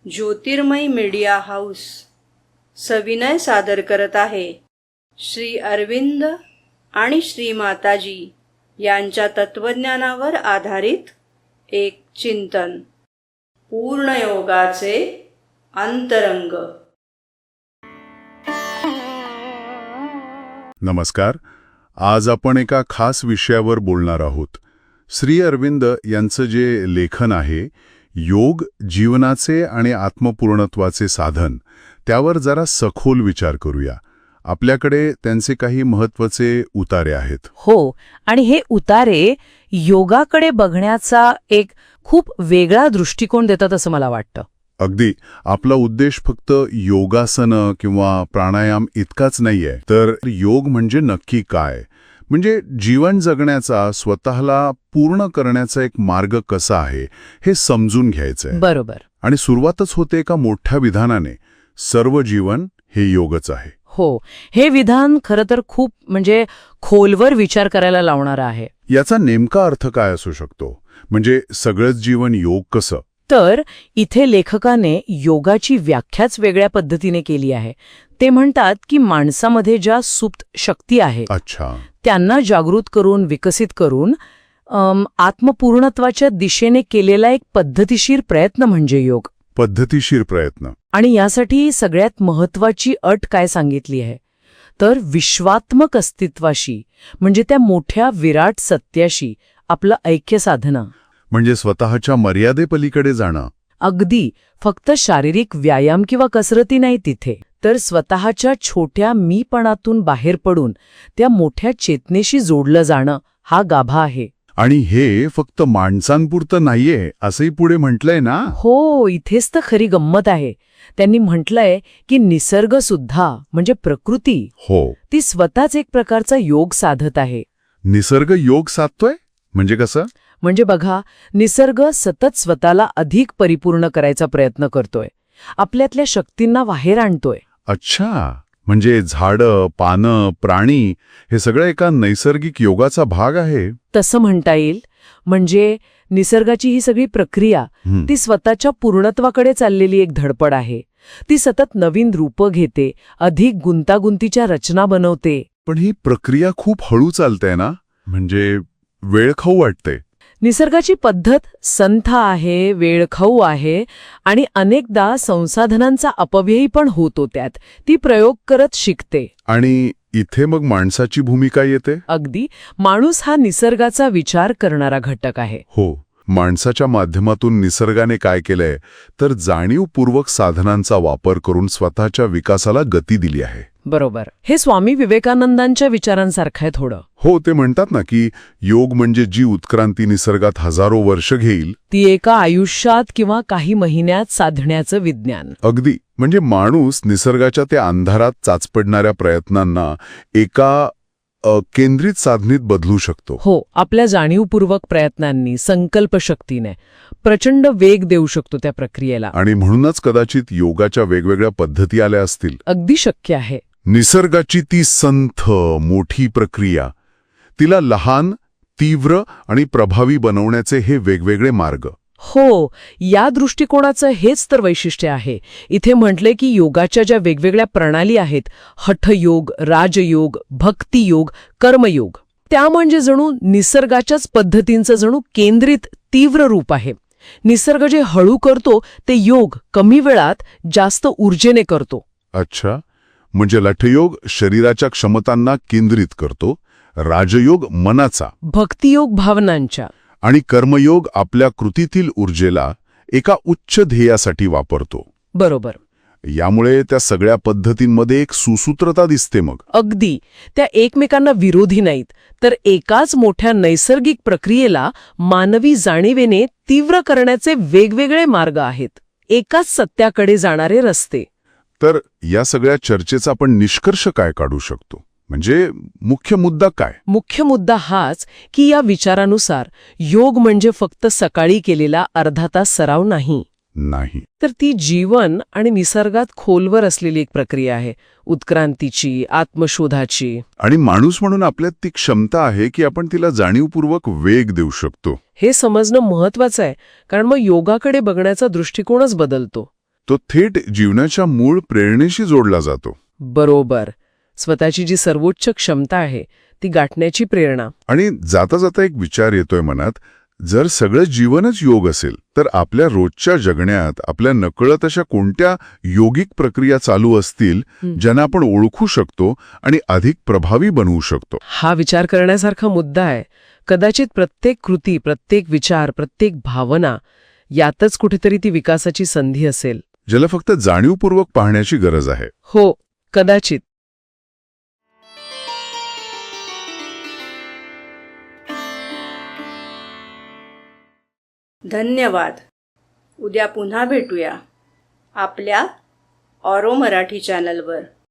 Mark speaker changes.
Speaker 1: ज्योतिर्मय media house सविनय सादर करत आहे श्री अरविंद आणि श्री माताजी यांच्या तत्वज्ञानावर आधारित एक चिंतन, पूर्णयोगाचे अंतरंग.
Speaker 2: नमस्कार. आज आपण एका खास विषयावर बोलणार आहोत. श्री अरविंद यांचं जे लेखन आहे, योग जीवनाचे आणि आत्मपूर्णत्वाचे साधन, त्यावर जरा सखोल विचार करूया. आपल्याकडे त्यांचे काही महत्त्वाचे उतारे आहेत.
Speaker 3: हो, आणि हे उतारे योगाकडे बघण्याचा एक खूप वेगळा दृष्टिकोन देतात असं मला वाटतं.
Speaker 2: अगदी. आपला उद्देश फक्त योगासनं किंवा प्राणायाम इतकाच नाहीये, तर योग म्हणजे नक्की काय, म्हणजे जीवन जगण्याचा, स्वतःला पूर्ण करण्याचा एक मार्ग कसा आहे हे समजून घ्यायचंय.
Speaker 3: बरोबर.
Speaker 2: आणि सुरुवातच होते एका मोठ्या विधानाने, सर्व जीवन हे योगच आहे.
Speaker 3: हो, हे विधान खरं तर खूप खोलवर विचार करायला लावणारं आहे.
Speaker 2: याचा नेमका अर्थ काय असू शकतो? म्हणजे सगळंच जीवन योग कसं?
Speaker 3: तर इथे लेखकाने योगाची व्याख्याच वेगळ्या पद्धतीने केली आहे. ते म्हणतात की माणसामध्ये ज्या सुप्त शक्ती आहेत,
Speaker 2: अच्छा,
Speaker 3: त्यांना जागृत करून, विकसित करून आत्मपूर्णत्वाच्या दिशेने केलेला एक पद्धतीशीर प्रयत्न म्हणजे योग.
Speaker 2: पद्धतीशीर प्रयत्न.
Speaker 3: आणि यासाठी सगळ्यात महत्वाची अट काय सांगितली आहे, तर विश्वात्मक अस्तित्वाशी, म्हणजे त्या मोठ्या विराट सत्याशी आपलं ऐक्य साधणं.
Speaker 2: म्हणजे स्वतःच्या मर्यादेपलीकडे जाणं.
Speaker 3: अगदी. फक्त शारीरिक व्यायाम किंवा कसरती नाही तिथे, तर स्वतःच्या छोट्या मीपणातून बाहेर पडून त्या मोठ्या चेतनेशी जोडलं जाणं हा गाभा आहे.
Speaker 2: आणि हे फक्त माणसांपुरतं नाहीये असंही पुढे म्हटलंय ना?
Speaker 3: हो, इथेच तर खरी गंमत आहे. त्यांनी म्हटलंय की निसर्ग सुद्धा, म्हणजे प्रकृती,
Speaker 2: हो,
Speaker 3: ती स्वतःच एक प्रकारचा योग साधत आहे.
Speaker 2: निसर्ग योग साधतोय म्हणजे कसं?
Speaker 3: म्हणजे बघा, निसर्ग सतत स्वतःला अधिक परिपूर्ण करायचा प्रयत्न करतोय, आपल्यातल्या शक्तींना बाहेर आणतोय.
Speaker 2: अच्छा, म्हणजे झाडं, पानं, प्राणी हे सगळं एका नैसर्गिक योगाचा भाग आहे.
Speaker 3: तसं म्हणता येईल. म्हणजे निसर्गाची ही सगळी प्रक्रिया ती स्वतःच्या पूर्णत्वाकडे चाललेली एक धडपड आहे. ती सतत नवीन रूपं घेते, अधिक गुंतागुंतीच्या रचना बनवते.
Speaker 2: पण ही प्रक्रिया खूप हळू चालते ना, म्हणजे वेळखाऊ वाटते.
Speaker 3: निसर्गाची पद्धत संथ आहे, वेळखाऊ आहे, आणि अनेकदा संसाधनांचा अपव्ययी पण होतो. त्यात ती प्रयोग करत शिकते.
Speaker 2: आणि इथे मग माणसाची भूमिका येते.
Speaker 3: अगदी. माणूस हा निसर्गाचा विचार करणारा घटक आहे.
Speaker 2: हो, माणसाच्या माध्यमातून निसर्गाने काय केलंय, तर जाणीवपूर्वक साधनांचा वापर करून स्वतःच्या विकासाला गती दिली आहे.
Speaker 3: बरोबर. हे स्वामी विवेकानंदांच्या विचारांसारखं आहे थोडं.
Speaker 2: हो, ते म्हणतात ना की योग म्हणजे जी उत्क्रांती निसर्गात हजारो वर्ष घेईल,
Speaker 3: ती एका आयुष्यात किंवा काही महिन्यात साधण्याचं विज्ञान.
Speaker 2: अगदी. म्हणजे माणूस निसर्गाच्या त्या अंधारात चाचपडणाऱ्या प्रयत्नांना एका केंद्रित साधनीत बदलू शकतो.
Speaker 3: हो, आपल्या जाणीवपूर्वक प्रयत्नांनी, संकल्पशक्तीने प्रचंड वेग देऊ शकतो त्या प्रक्रियेला.
Speaker 2: आणि म्हणूनच कदाचित योगाच्या वेगवेगळ्या पद्धती आल्या असतील.
Speaker 3: अगदी शक्य आहे.
Speaker 2: निसर्गाची ती संथ मोठी प्रक्रिया, तिला लहान, तीव्र आणि प्रभावी बनवण्याचे हे वेगवेगळे मार्ग.
Speaker 3: हो, या दृष्टिकोनाचं हेच तर वैशिष्ट्य आहे. इथे म्हटले की योगाच्या ज्या वेगवेगळ्या प्रणाली आहेत, हठयोग, राजयोग, भक्तियोग, कर्मयोग, त्या म्हणजे जणू निसर्गाच्याच पद्धतींचं जणू केंद्रित तीव्र रूप आहे. निसर्ग जे हळू करतो ते योग कमी वेळात जास्त ऊर्जेने करतो.
Speaker 2: अच्छा, म्हणजे लठयोग शरीराच्या क्षमतांना केंद्रित करतो, राजयोग मनाचा,
Speaker 3: भक्तियोग भावनांच्या,
Speaker 2: आणि कर्मयोग आपल्या कृतीतील ऊर्जेला एका उच्च ध्येयासाठी वापरतो.
Speaker 3: बरोबर.
Speaker 2: यामुळे त्या सगळ्या पद्धतींमध्ये एक सुसूत्रता दिसते. मग
Speaker 3: अगदी. त्या एकमेकांना विरोधी नाहीत, तर एकाच मोठ्या नैसर्गिक प्रक्रियेला मानवी जाणीवेने तीव्र करण्याचे वेगवेगळे मार्ग आहेत, एकाच सत्याकडे जाणारे रस्ते.
Speaker 2: तर या सगळ्या चर्चेचा आपण निष्कर्ष काय काढू शकतो? म्हणजे मुख्य मुद्दा काय?
Speaker 3: मुख्य मुद्दा हाच की या विचारानुसार योग म्हणजे फक्त सकाळी केलेला अर्धा तास सराव नाही, तर ती जीवन आणि निसर्गात खोलवर असलेली एक प्रक्रिया आहे, उत्क्रांतीची, आत्मशोधाची.
Speaker 2: आणि माणूस म्हणून आपल्यात ती क्षमता आहे की आपण तिला जाणीवपूर्वक वेग देऊ शकतो.
Speaker 3: हे समजणं महत्वाचं आहे, कारण मग योगाकडे बघण्याचा दृष्टिकोनच बदलतो.
Speaker 2: तो थेट जीवनाच्या मूळ प्रेरणेशी जोडला जातो.
Speaker 3: बरोबर. स्वतःची जी सर्वोच्च क्षमता आहे ती गाठण्याची प्रेरणा.
Speaker 2: आणि जाता जाता एक विचार येतोय मनात, जर सगळं जीवनच योग असेल तर आपल्या रोजच्या जगण्यात आपल्या नकळत अशा कोणत्या योगिक प्रक्रिया चालू असतील ज्यांना आपण ओळखू शकतो आणि अधिक प्रभावी बनवू शकतो.
Speaker 3: हा विचार करण्यासारखा मुद्दा आहे. कदाचित प्रत्येक कृती, प्रत्येक विचार, प्रत्येक भावना यातच कुठेतरी ती विकासाची संधी असेल.
Speaker 2: ज्याला फक्त जाणीवपूर्वक पाहण्याची गरज आहे.
Speaker 3: हो, कदाचित.
Speaker 1: धन्यवाद. उद्या पुन्हा भेटूया आपल्या ऑरो मराठी चॅनलवर.